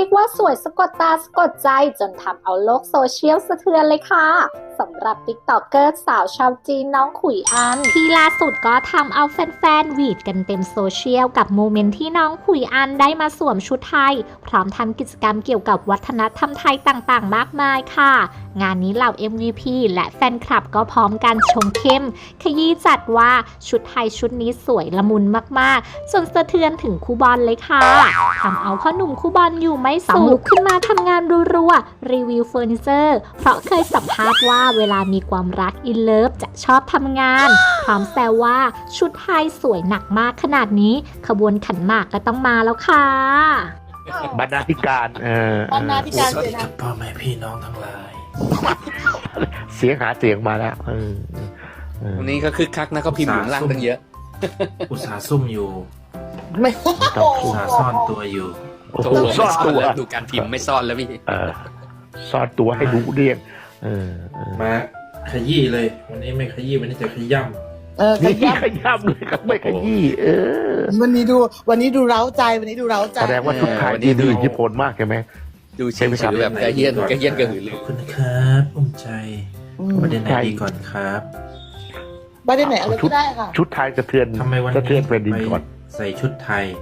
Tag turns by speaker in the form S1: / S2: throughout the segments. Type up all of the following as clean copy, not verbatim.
S1: รียกว่าสวยสะกดตาสะกดใจจนทำเอาโลกโซเชียลสะเทือนเลยค่ะสำหรับติ๊กต็อกเกอร์สาวชาวจีนน้องขุยอันที่ล่าสุดก็ทำเอาแฟนๆหวีดกันเต็มโซเชียลกับโมเมนต์ที่น้องขุยอันได้มาสวมชุดไทยพร้อมทำกิจกรรมเกี่ยวกับวัฒนธรรมไทยต่างๆมากมายค่ะงานนี้เหล่า MVP และแฟนคลับก็พร้อมกันชมเข้มขยี้จัดว่าชุดไทยชุดนี้สวยละมุนมากๆจนสะเทือนถึงคู่บอลเลยค่ะทำเอาพ่อหนุ่มคู่บอลอยู่ไม่สุขลุกขึ้นมาทำงานรัวๆรีวิวเฟอร์นิเจอร์เพราะเคยสัมภาษณ์ว่าเวลามีความรักอินเลิฟจะชอบทำงานพร้อมแซวว่าชุดไทยสวยหนักมากขนาดนี้ขบวนขันหมากก็ต้องมาแล้วค่ะ
S2: บรรณาธิการ
S3: บรรณาธิการ
S4: สวัสดีครับพ่อแม่พี่น้องทั้งหลาย
S2: เสียงหาเสียงมาแล้ว
S5: วันนี้ก็คึกคักนะเขาพิมพ์อยู่ข้างล่างตั้งเยอะ
S4: อุตสาห์ซุ่มอยู่
S3: ไม่
S4: อุตสาห์ซ่อนตัวอยู่
S2: ซ่อนตัว
S5: ดูการพิมพ์ไม่ซ่อนแล้วพี่
S2: ซ่อนตัวให้รู้เรียง
S4: มาขยี้เลย วันนี้ไม่ขยี้วันนี้จะขย่
S2: ำนี่ขย่ำเลยครับไม่ขยี้
S3: วันนี้ดูเร้าใจวันนี้ดูเร้าใจ
S2: แสดงว่าทุกทายนี่ดูอิทธิพลมากใช่ไหม
S5: ดูเฉยๆแบบกระเฮียนกระหือรือ
S4: ขอบคุณนะครับอุ้มใจประเด็นไหนดีก่อนครับ
S3: ประเด็นไหนอะไรก็ได้ค่ะ
S2: ชุดไทยสะเทือน
S4: ทำไมวันนี้
S2: สะเทือนแผ่นดินก่อน
S4: ใส่ชุดไทย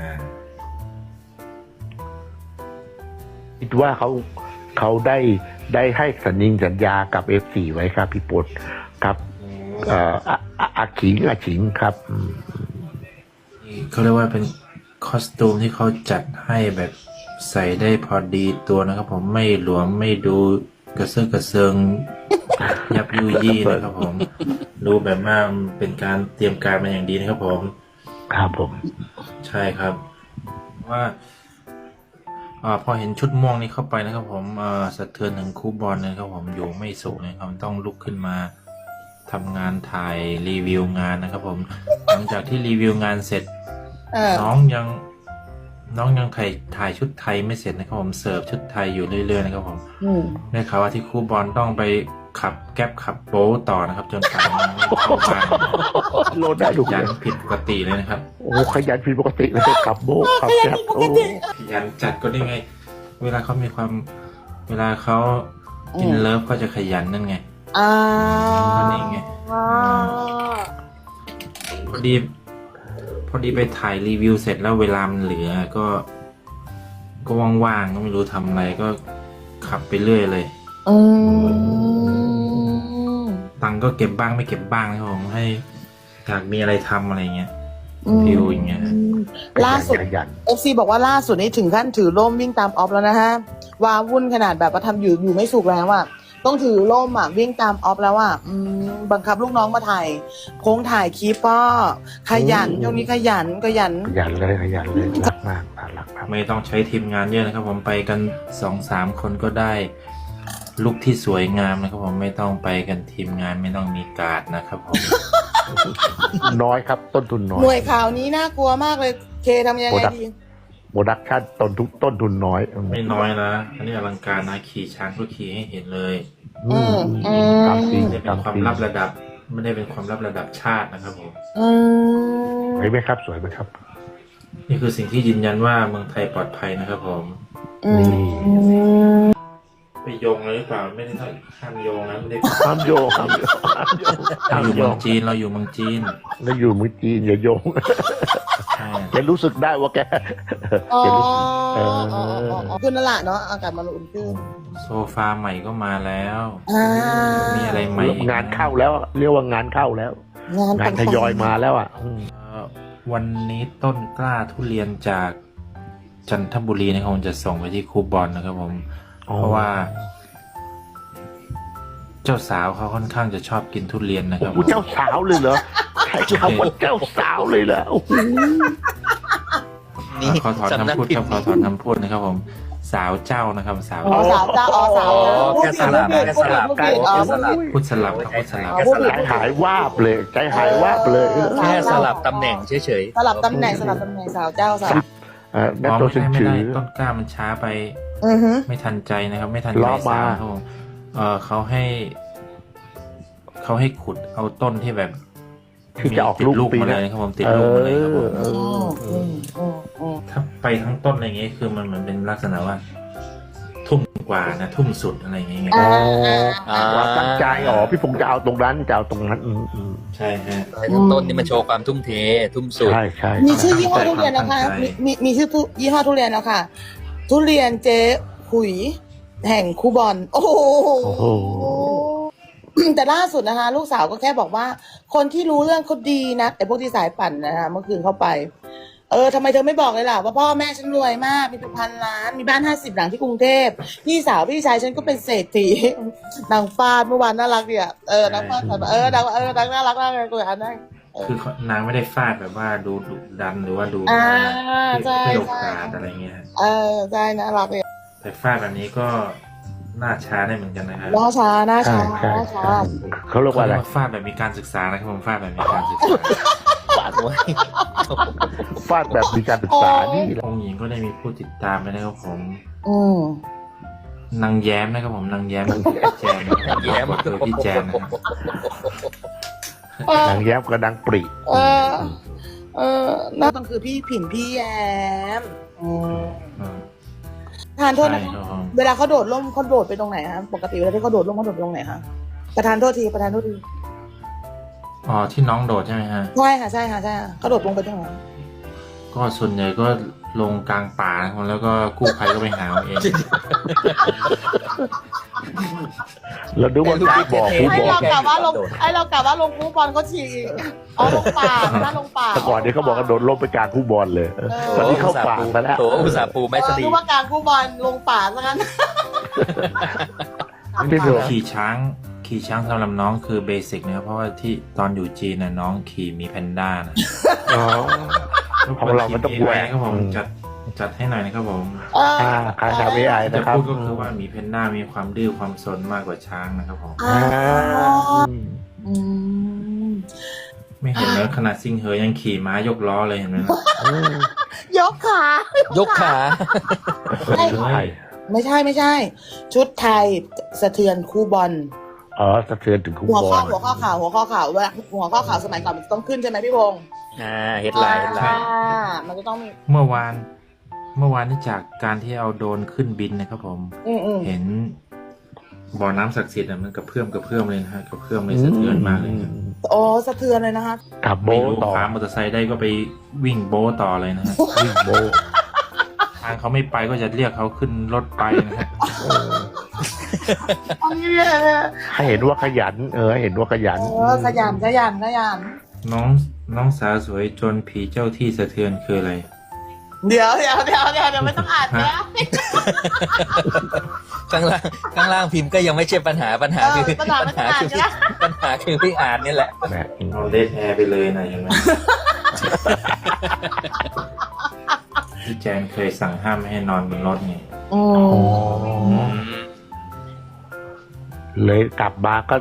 S2: คิดว่าเขาได้ให้สัญญากับ F4 ไว้ครับพี่ปดครับอาขิงครับ
S4: เขาเรียกว่าเป็นคอสตูมที่เขาจัดให้แบบใส่ได้พอดีตัวนะครับผมไม่หลวมไม่ดูกระเซิงยับยุยี่นะครับผมดูแบบว่าเป็นการเตรียมการมาอย่างดีนะครับผม
S2: ครับผม
S4: ใช่ครับว่าพอเห็นชุดม่วงนี้เข้าไปนะครับผมสะเทือนถึงคู่บอลนะครับผมอยู่ไม่สุขนะครับต้องลุกขึ้นมาทำงานถ่ายรีวิวงานนะครับผมหลังจากที่รีวิวงานเสร็จน้องยังถ่ายชุดไทยไม่เสร็จนะครับผมเสิร์ฟชุดไทยอยู่เรื่อยๆนะครับผมได้ข่าวว่าที่คู่บอลต้องไปขับแก๊ปขับโป๊ต่อนะครับจนป่านนี้เข้าบ้าน
S2: โลดได้ถูก
S4: ยันผิดปกติเลยนะครับ
S2: โอ้ขยันผิดปกติเลยขับโป๊ขับแก๊ปโอ้
S4: ขยันจัดก็ได้ไงเวลาเขาอินเลิฟก็จะขยันนั่นไงนี่ไงพอดีไปถ่ายรีวิวเสร็จแล้วเวลามันเหลือก็ว่างๆก็ไม่รู้ทำอะไรก็ขับไปเรื่อยเลยตังก็เก็บบ้างไม่เก็บบ้างนะครับผมให้อยากมีอะไรทำอะไรเงี้ยฟิวอย่างเงี้ย
S3: ล่าสุด FC บอกว่าล่าสุดนี้ถึงขั้นถือร่มวิ่งตามออฟแล้วนะฮะวาวุ่นขนาดแบบว่าทำอยู่ไม่สุกแล้วอ่ะต้องถือร่มวิ่งตามออฟแล้วอ่ะบังคับลูกน้องมาถ่ายโค้งถ่ายคลิปก็ขยันช่วงนี้ขยัน
S2: เลยรักมากรัก
S4: ไม่ต้องใช้ทีมงานเยอะนะครับผมไปกัน 2-3 คนก็ได้ลุคที่สวยงามนะครับผมไม่ต้องไปกันทีมงานไม่ต้องมีการ์ดนะครับผม
S2: น้อยครับต้นทุนน้อย
S3: หน่วยข่าวนี้น่ากลัวมากเลยเคทำยังไงดี
S2: โปรดักชั่นต้นทุนน้อย
S4: ไม่น้อยนะอันนี้อลังการนะขี่ช้างก็ขี่ให้เห็นเลยไม่ได้เป็นความลับระดับชาตินะครับผม
S2: สวยไหมครับสวยไหมครับ
S4: นี่คือสิ่งที่ยืนยันว่าเมืองไทยปลอดภัยนะครับผมไปโยงเลยหรือเปล่าไม่ได้ห้ามโยงนะไม่ได้
S2: ห้ามโยง
S4: เราอยู่เมืองจีนอย่าเมืองจีน
S2: อย่าโยงแกรู้สึกได้ว่าแก
S3: ขึ้นนั่นแหละเนาะอากาศมันอุ่นขึ้น
S4: โซฟาใหม่ก็มาแล้วมีอะไรใหม่
S2: งานเข้าแล้วเรียกว่างานเข้าแล้วงานทยอยมาแล้ว
S4: วันนี้ต้นกล้าทุเรียนจากจันทบุรีนะครับผมจะส่งไปที่ครูบอลนะครับผมเพราะว่าเจ้าสาวเขาค่อนข้างจะชอบกินทุเรียนนะครับ
S2: เจ้าสาวเลยเหรอใช่คำว่าเจ้าสาวเลยเหรอ
S4: ขอถอนคำพูดนะครับผมสาวเจ้านะครับสาว
S3: เจ้า
S5: แค่สลับ
S4: พูดสลับ
S2: ใจหายวาบเลย
S5: แค่สลับตำแหน่งเฉย
S3: สลับตำแหน่งสาวเจ้าสาว
S4: นั่นตัวไม่ได้ต้นกล้ามันช้าไปไม่ทันใจนะครับไม่ทันใจสาวเขาให้ขุดเอาต้นที่แบบ
S2: ที่จะออก
S4: ติด
S2: ลูก
S4: ลูก
S2: ปี
S4: มา
S2: ห
S4: เล
S2: น้าย
S4: นะครับผมติดลูกมาเลยครับผม
S3: ๆ
S4: ถ้าไปทั้งต้นอะไรเงี้ยคือมันเหมือนเป็นลักษณะว่า ทุ่มกว่านะทุ่มสุดอะไรอย่างเงี้ย
S3: อ่า
S2: ว่าตั้งใจพี่พงษ์จะเอาตรงนั้นจะเอาตรงนั้น
S4: ใช่ฮะ
S5: ต้นนี่มันโชว์ความทุ่มเททุ่มสุด
S2: ใช่ใช่
S3: มีชื่อยี่ห้อทุเรียนนะคะ
S4: ตั้งใจ
S3: มีชื่อยี่ห้อทุเรียนแล้วค่ะ ทุเรียนเจ๊ขุยแห่งคูบอน โอ้โห
S2: โอ้โห
S3: แต่ล่าสุดนะคะ ลูกสาวก็แค่บอกว่า คนที่รู้เรื่องเขาดีนะไอ้พวกที่สายปั่นนะคะเมื่อคืนเข้าไป ทำไมเธอไม่บอกเลยล่ะว่าพ่อแม่ฉันรวยมากมีเป็นพันล้านมีบ้าน50 หลังที่กรุงเทพพี่สาวพี่ชายฉันก็เป็นเศรษฐี นางฟาดเมื่อวานน่ารักดีอ่ะนางฟาดแบบนางน่ารักมากเลยกูอ่านได้
S4: คือนางไม่ได้ฟาดแบบว่าดูดุดันหรือว่าดู
S3: ใช่
S4: ให้โอกาสอะไรเงี้ยฮะ
S3: ใช่น่ารักเลย
S4: แต่ฟาดแบบนี้ก็น่าช้าได้เหมือนกันนะครับ
S3: หน้าช้า
S2: เขาเรียกว่าอะไร
S4: ฟาดแบบมีการศึกษานะครับผมฟาดแบบมีการศึกษา
S5: ฝากไว้
S2: ฟาดแบบมีการศึกษานี่แหละ
S4: องค์หญิงก็ได้มีผู้ติดตามไปนะครับผม
S3: อืม
S4: นางแย้มนะครับผมนางแย้มพี่แจนนะครับ
S5: แย้ม
S4: คือพี่แจนนะครับ
S2: นางแย้มกับนางปรี
S3: นั่นก็คือพี่ผินพี่แย้ม
S4: อืม
S3: ทานโทษ
S4: ใช่
S3: นะคะ
S4: ครับผม
S3: เวลาเขาโดดร่มเขาโดดไปตรงไหนคะปกติเวลาที่เขาโดดร่มเขาโดดไปตรงไหนคะประธานโทษที
S4: อ๋อที่น้องโดดใช่ไหมฮะ
S3: ใช่ค่ะเขาโดดลงไปตรงไหน
S4: ก็ส่วนใหญ่ก็ลงกลางป่านะครับแล้วก็กู้ภัยก็ไปหาเอาเอง
S2: เราดูว่าการบอกผู้
S3: ให้
S2: บอ
S3: เรา
S2: ก
S3: กลับว่าลงคูบอลเขาฉีกลงป่าถ้าลงป่า
S2: แต่ก่อนนี้เขาบอกกระโดดลบไปกลางคู่บอลเลยตอนนี้เข้าป่าไปแล้ว
S5: โถอุตสาห์ปูแม่สลี
S3: นึกว่ากลางคูบอลลงป่าซะงั้น
S2: ไม่ถูก
S4: ขี่ช้างสำหรับน้องคือเบสิกนะครับเพราะว่าที่ตอนอยู่จีนน่ะน้องขี่มีแพนด้านะ
S2: ของเรามันต้องแหวก
S4: ครับผมจัดให้หน่อยนะครับผม
S2: ใครทำ AI
S4: จะ
S2: นะครับ
S4: พูดก็คือว่าหมีแพนด้ามีความดื้อความสนมากกว่าช้างนะครับผม
S3: อืม
S4: ไม่เห็นแล้วขนาดซิงเหอยังขี่ม้ายกล้อเลยเห็นไหมล่ะ
S3: ยกขาย
S5: กขา
S2: ใช่
S3: ไม่ใช่ ชุดไทยสะเทือนคู่บอล
S2: สะเทือนถึงคู่
S3: หัว
S2: บอ
S3: ข้อ
S2: ล
S3: หัวข้อข่าวเวลาหัวข้อข่าวสมัยก่อนมันจะต้องขึ้นใช่ไหมพี่พงษ์
S5: เฮดไลน์
S3: มันจะต้องมี
S4: เมื่อวานนี่จากการที่เอาโดรนขึ้นบินนะครับผม เห็นบ่อน้ำศักดิ์สิทธิ์มันกระเพื่อมเลยนะฮะกระเพื่อมเลยสะเทือนมากเลยนะ
S3: สะเทือนเลยนะคะ
S2: กับโบ
S4: ไม่รู้
S2: ต่อ
S4: พามอเตอร์ไซค์ได้ก็ไปวิ่งโบะต่อเลยนะฮะ
S2: วิ่งโบ
S4: ทางเขาไม่ไปก็จะเรียกเขาขึ้นรถไปนะฮะ
S2: ให้เห็นว่าขยันให้เห็นว่าขยัน
S3: ขยัน
S4: น้องสาวสวยจนผีเจ้าที่สะเทือนคืออะไร
S3: เดี๋ยวไม่ต้องอ่านนะ
S5: ข้างล่างพิมพ์ก็ยังไม่ใช่ปัญหาคือ
S3: ปัญหาไม่ต้องอ่านนะ
S5: ปัญหาคือพี่อ่านนี่แหละ
S4: เอาเลดแอร์ไปเลยนะอย่างนั้นพี่แจนเคยสั่งห้ามไม่ให้นอนบนรถไง
S2: เลยกลับมาก็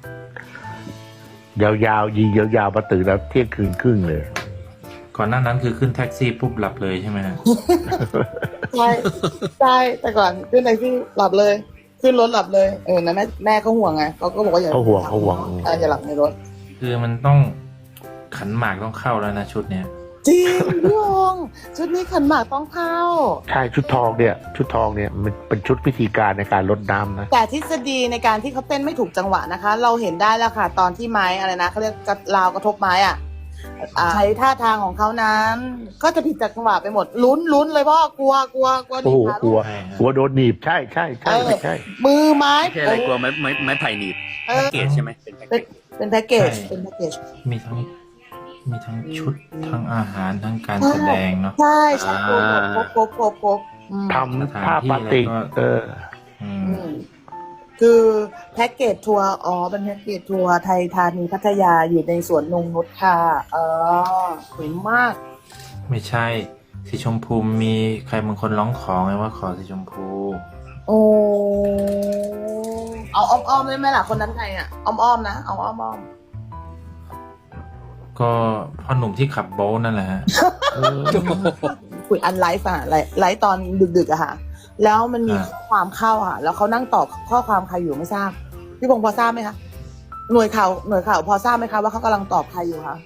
S2: ยาวๆยิงยาวๆมาตื่นแล้วเที่ยงคืนครึ่งเลย
S4: ก่อนหน้านั้นคือขึ้นแท็กซี่ปุ๊บหลับเลยใช่ไหมฮะ
S3: ใช่แต่ก่อนขึ้นแท็กซี่หลับเลยขึ้นรถหลับเลยนะแม่เขาห่วงไงเขาก็บอกว่าอย่า
S2: เขาห่วง
S3: อย่าหลับในรถ
S4: คือมันต้องขันหมากต้องเข้าแล้วนะชุดเนี้ย
S3: จริงพี่พงษ์ชุดนี้ขันหมากต้องเข้า
S2: ใช่ชุดทองเนี่ยมันเป็นชุดพิธีการในการลดน้ำนะ
S3: แต่ทฤษฎีในการที่เขาเต้นไม่ถูกจังหวะนะคะ เราเห็นได้แล้วค่ะ ตอนที่ไม้อะไรนะเขาเรียกราวกระทบไม้ใช้ท่าทางของเขานั้น ก็จะผิดจากจังหวะไปหมดลุ้นเลยพ่อกลัว
S2: โอ้โหกลัวโดนหนีบใช่
S3: มือไม้
S5: ไม่ใช่อะไรกลัวไม้ไผ่หนีบแพ็กเกจใช่ไหมเป็นแพ็กเกจ
S3: เป็นแพ็กเกจ
S4: มีทั้งชุดทั้งอาหารทั้งการแสดงเนาะ
S3: ใช่ครบ
S2: ทำท่าปาติก
S3: คือแพ็กเกจทัวร์เป็นแพ็กเกจทัวร์ไทยธานีพัทยาอยู่ในสวนนงนุชค่ะสวยมาก
S4: ไม่ใช่สีชมพูมีใครบางคนร้องขอไงว่าขอสีชมพู
S3: โอ้เอาอ้อมได้ไหมล่ะคนนั้นใครอ้อมนะเอาอ้อม
S4: ก็พ่อหนุ่มที่ขับโบ๊ทนั่นแหละฮะ
S3: คุยอันไลฟ์ไลฟ์ตอนดึกๆอะค่ะแล้วมันมีข้อความเข้าค่ะแล้วเขานั่งตอบข้อความใครอยู่ไม่ทราบพี่พงษ์พอทราบไหมคะหน่วยข่าวพอทราบไหมคะว่าเขากำลังตอบใครอยู่คะ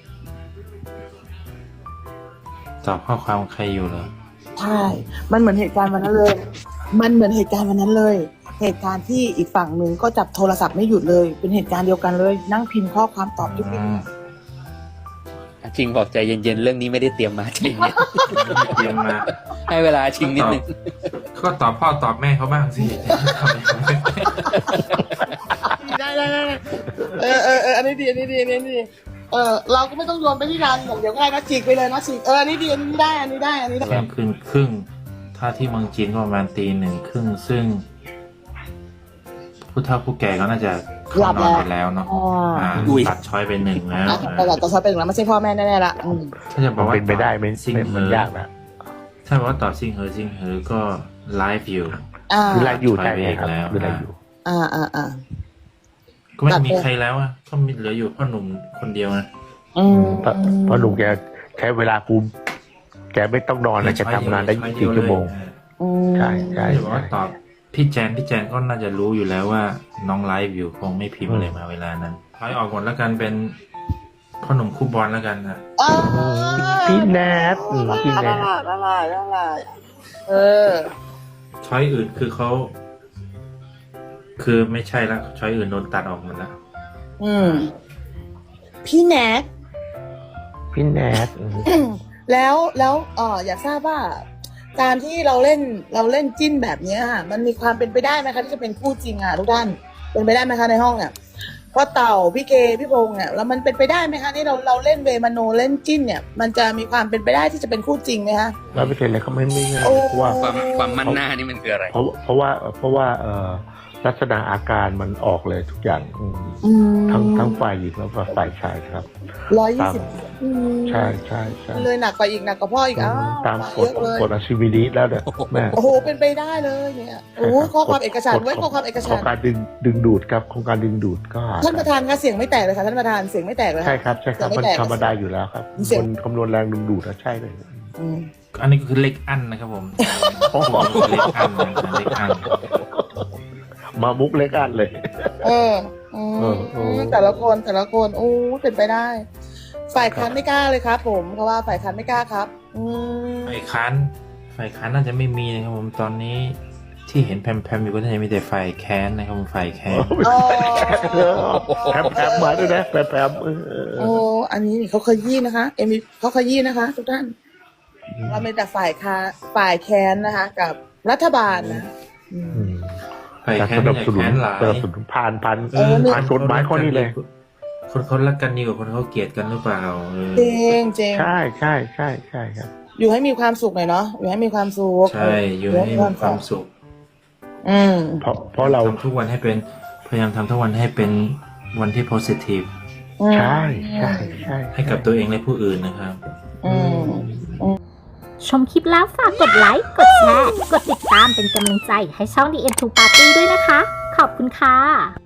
S4: ตอบข้อความใครอยู่เหรอ
S3: ใช่ มันเหมือนเหตุการณ์วันนั้นเลย มันเหมือนเหตุการณ์วันนั้นเลย เหตุการณ์ที่อีกฝั่งหนึ่งก็จับโทรศัพท์ไม่หยุดเลย เป็นเหตุการณ์เดียวกันเลย นั่งพิมพ์ข้อความตอบทุกที
S5: ชิงบอกใจเย็นๆเรื่องนี้ไม่ได้เตรียมมาจริงเนี่ย
S4: เตรียมมา
S5: ให้เวลาชิงนิดนึง
S4: ก็ตอบพ่อตอบแม่เขาบ้างสิ
S3: ได้อันนี้ดีเราก็ไม่ต้องโยนไปที่รังอย่างเดียวง่ายนะฉีกไปเลยนะฉีกอันนี้ดีอันนี้ได้
S4: เที่ยงคืนครึ่งถ้าที่เมืองจีนก็ประมาณตีหนึ่งครึ่งซึ่งผู้เฒ่าผู้แก่ก็น่าจะเข้านอนไปแล้วเนาะตัดช้อยไปหนึ่งแล้ว
S3: แต่ต่อชอบเป็นแล้วไม่ใช่พ่อแม่แน่ๆละ
S4: ถ้าจะบอกว่า
S2: เป็นไปได้ไม่
S4: ซิงเห
S2: มัน
S4: อย
S2: ากนะ
S4: ถ้าบอกว่าตอบซิงเหอก็ไลฟ์อยู่
S2: คือไล่อยู่
S4: ไป
S2: ใจ
S4: เอง
S2: ครับ
S4: แล้ว
S2: คือไล่อยู่
S4: ก็ไม่มีใครแล้วอ่ะก็มีเหลืออยู่พ่อหนุ่มคนเดียวนะ
S2: เพราะลุงแกใช้เวลาคุมแกไม่ต้องนอนแล้วแกทำงานได้24 ชั่วโมง ใช่
S4: จะบอกว่าตอบพี่แจนก็น่าจะรู้อยู่แล้วว่าน้องไลฟ์อยู่คงไม่พิมพ์อะไรมาเวลานั้นถอยออกก่อนแล้วกันเป็นพ่อหนุ่มคู่บอลแล้วกันนะ
S2: พี่แนทพี่แนท
S4: ช้อยอื่นคือเขาคือไม่ใช่ละช้อยอื่นโดนตัดออกหมดแล้ว
S3: พี่แนท
S2: พี่แนท
S3: แล้วอยากทราบว่า การที่เราเล่นจิ้นแบบนี้ค่ะมันมีความเป็นไปได้ไหมคะที่จะเป็นคู่จริงอ่ะทุกท่านเป็นไปได้ไหมคะในห้องเนี่ยเพราะเต่าพี่เคพี่พงษ์เนี่ยแล้วมันเป็นไปได้ไหมคะที่เราเล่นเวมาโนเล่นจิ้นเนี่ยมันจะมีความเป็นไปได้ที่จะเป็นคู่จริงไหมคะ
S2: 100%เลยเขาไม่เพราะว่า
S5: ความมั่นหน้านี่มันคืออะไร
S2: เพราะว่าลักษณะอาการมันออกเลยทุกอย่างทั้งฝ่ายหญิงแล้วก็ฝ่ายชายครับ
S3: 120
S2: ใช่
S3: เลยหนักกว่าอีกหนักกว่าพ่ออีก
S2: ตามกฎอาชีวินิแล้วเนี่ยแม่
S3: โอ้โหเป็นไปได้เลยเนี่ยโอ้ข้อความเอกสารไว้ข้อความเอกสาร
S2: โครงการดึงดูดครับโครงการดึงดูดก็
S3: ท่านประธานคะเสียงไม่แตกเลยค่ะท่านประธานเสียงไม่แตกเลย
S2: ใช่ครับมันธรรมดาอยู่แล้วครับคนคำนวณแรงดึงดูดใช่เลย
S4: อันนี้ก็คือเล็กอันนะครับผมเล็กอันนะเล็กอัน
S2: มามุกเล็กอันเลย
S3: แต่ละคนโอ้เป็นไปได้ ฝ่ายค้านไม่กล้าเลยครับผมเพราะว่าฝ่ายค้านไม่กล้าครับ
S4: ฝ่ายค้านน่าจะไม่มีนะครับผมตอนนี้ที่เห็นแพมอยู่ก็น่าจะมีแต่ฝ่ายแค้นนะครับผมฝ่ายแค้น
S2: แพมมาด้วยนะแพม
S3: อันนี้นี่เขาขยี้นะคะเขาขยี้นะคะทุกท่านเราเป็นแต่ฝ่ายแค้นนะคะกับรัฐบาลนะ
S4: ฝ่ายแค้นสนับสนุน
S2: ผ่านกฎหมายข้อนี้เลย
S4: คนเขารักกันดีกว่าคนเขาเกลียดกันหรือเปล่า
S3: จริง
S2: ใช่ครับ
S3: อยู่ให้มีความสุขหน่อยเนาะอยู่ให้มีความสุข
S4: ใช่อยู่ให้มีความสุข
S2: เพราะเรา
S4: ทำทุกวันให้เป็นพยายามทำทุกวันให้เป็นวันที่ positive
S2: ใช่
S4: ให้กับตัวเองและผู้อื่นนะครับ
S1: ชมคลิปแล้วฝากกดไลค์ กดแชร์ กดติดตามเป็นกำลังใจให้ช่อง The End to Party ด้วยนะคะ ขอบคุณค่ะ